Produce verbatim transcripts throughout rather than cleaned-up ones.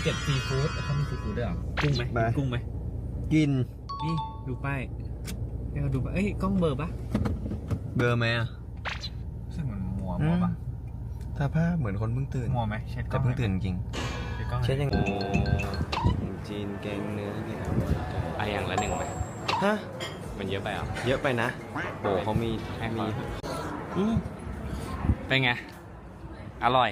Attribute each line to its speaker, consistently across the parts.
Speaker 1: เก็บซีฟู้ดเขามีซีฟู้ดด้วยเหรอกุ้งไหมกุ้งไหม
Speaker 2: กิน
Speaker 1: นี่ดูป้ายให้เราดูป้ายเอ้ยกล้องเบอร์ปะ
Speaker 2: เบอร์ไหมอ่ะ
Speaker 1: ซึ่งมันมัวมัวปะ
Speaker 2: ถ้าภาพเหมือนคนเพิ่งตื่น
Speaker 1: มัวไหมเช็ดกล้
Speaker 2: แต่
Speaker 1: อง
Speaker 2: เพิ่งตื่นจริง
Speaker 1: เช็ดยัง
Speaker 2: จีนแกงเนื้อเนี่ย
Speaker 1: ไออย่างละหนึ่งไหม
Speaker 2: ฮะ
Speaker 1: มันเยอะไปอ่ะ
Speaker 2: เยอะไปนะโอ้เขามีมี
Speaker 1: เป็นไงอร่อย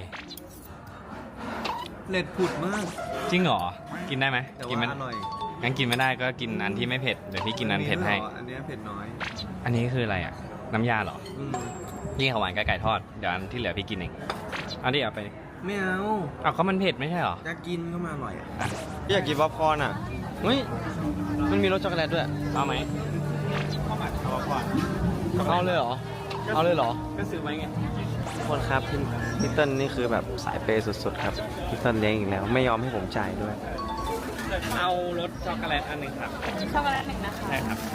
Speaker 2: เล็ดผุดมาก
Speaker 1: จริงเหรอกินได้ไหมกินไม่
Speaker 2: อร่อย
Speaker 1: งั้นกินไม่ได้ก็กินอันที่ไม่เผ็ดเดี๋ยวพี่กินอันเผ็ดให้
Speaker 2: อันนี้เผ็ดน้อย
Speaker 1: อันนี้คืออะไรอ่ะน้ำยาเหรอนี่ข้าวหวานกับไก่ทอดเดี๋ยวอันที่เหลือพี่กินเองอันที่เอาไป
Speaker 2: ไม่เอา
Speaker 1: เอาก็มันเผ็ดไม่ใช่เหรอ
Speaker 2: อยากกินก็มาอร่อยอยากกินป๊อปคอร์นอ่ะเฮ้ยมันมีรสช็อกโกแลตด้วย
Speaker 1: เอาไหมข้าวผัดเอาก่อน
Speaker 2: เอาเลยเหรอเอาเลยเหรอ
Speaker 1: ก็ซื้อไว้ไง
Speaker 2: ทุกคนครับพี่พี่เติ้ลนี่คือแบบสายเปย์สุดๆครับพี่เติ้ลเลี้ยงอีกแล้วไม่ยอมให้ผมจ่ายด้วย
Speaker 1: เอารสช็อกโกแลตอันหนึ่งครับ
Speaker 3: ช็อกโกแลตหนึ่งนะคะ
Speaker 1: ใช่ครับ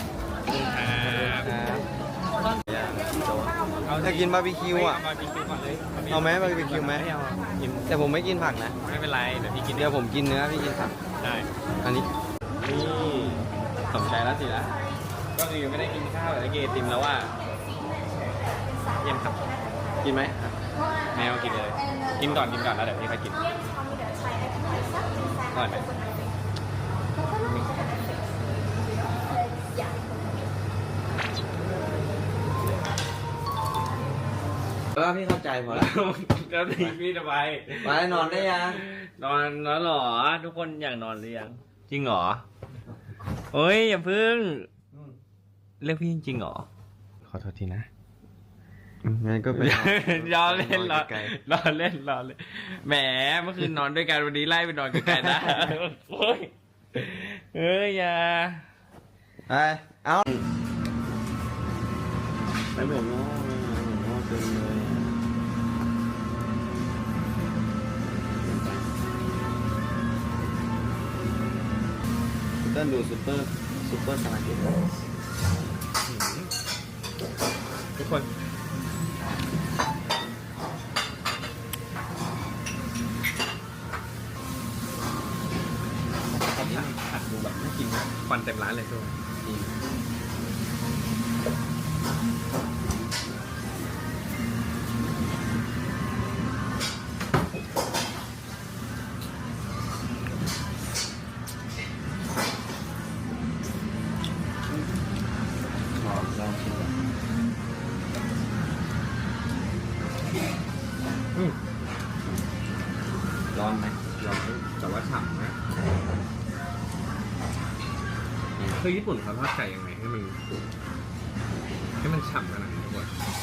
Speaker 2: เอาจะกินบาร์บีคิวอ่ะเอาไหมบาร์บีคิวไหมแต่ผมไม่กินผักนะ
Speaker 1: ไม่เป็นไรเดี๋ยวพี่กิน
Speaker 2: เดี๋ยวผมกินเนื้อพี่กินผัก
Speaker 1: ได้
Speaker 2: อันนี้
Speaker 1: นี่สนใจแล้วสินะก็คือไม่ได้กินข้าวแต่ได้กินไอติมแล้วว่าเย็นครับ
Speaker 2: กินไหม
Speaker 1: แมวกินเลยกินก่อนกินก่อนแล้วเดี๋ยวพี่ค่อยกินก่อนไหม
Speaker 2: แล้วพี่เข้าใจพอแล้ว
Speaker 1: แล้วพี่จะไป
Speaker 2: ไปนอนได้ยัง
Speaker 1: นอนแล้วหรอทุกคนอยากนอนหรือยังจริงเหรอเฮ้ยอย่าพึ่งเรียกพี่จริงเหรอขอโทษทีนะ
Speaker 2: งั้นก็ไป
Speaker 1: รอเล่นรอรอเล่นรอเล่นแหมเมื่อคืนนอนด้วยกันวันนี้ไล่ไปนอนไกลๆได้เฮ้ยเฮ้ยอย่า
Speaker 2: ไปเอาไปผมง้อผมง้อเกินเลยต้นดูซุปเปอร์ซุปเปอร์สมาร์ท
Speaker 1: ทุกคนผัดดูแบบน่ากินมากควันเต็มร้านเลยทุกคนร้อนไหมร้อนแต่ว่าฉ่ำนะคือญี่ปุ่นเขาทอดไก่ยังไงให้มันให้มันฉ่ำขนาดนี้ทุกคน